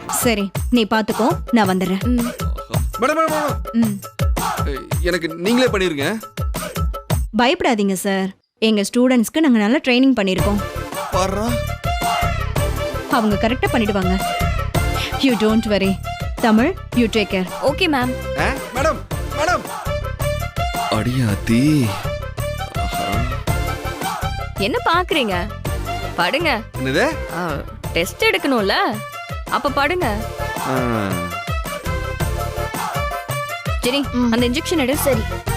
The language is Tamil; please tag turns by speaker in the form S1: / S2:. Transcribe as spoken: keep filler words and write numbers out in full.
S1: சரி நீ பாத்துக்கோ, நான் வந்துடுறேன்.
S2: ம்.
S3: மேடம் மேடம் மேடம்
S1: ம்.
S3: எனக்கு நீங்களே பண்ணிருங்க.
S1: பயப்படாதீங்க சார், எங்க ஸ்டூடெண்ட்ஸ்க்கு நாங்க நல்லா ட்ரைனிங் பண்ணிருக்கோம்.
S3: பாருடா.
S1: அவங்க கரெக்டா பண்ணிடுவாங்க. You don't worry. Tamil, you take care.
S2: Okay ma'am.
S3: ஆ, மேடம் மேடம் அடியாத்தி. ஆஹா.
S2: என்ன பாக்குறீங்க? படுங்க.
S3: என்னது?
S2: டெஸ்ட் எடுக்கணும்ல, அப்ப படுங்க.
S3: ஆ.
S2: சரி, அந்த இன்ஜெக்ஷன் எடு.
S4: சரி.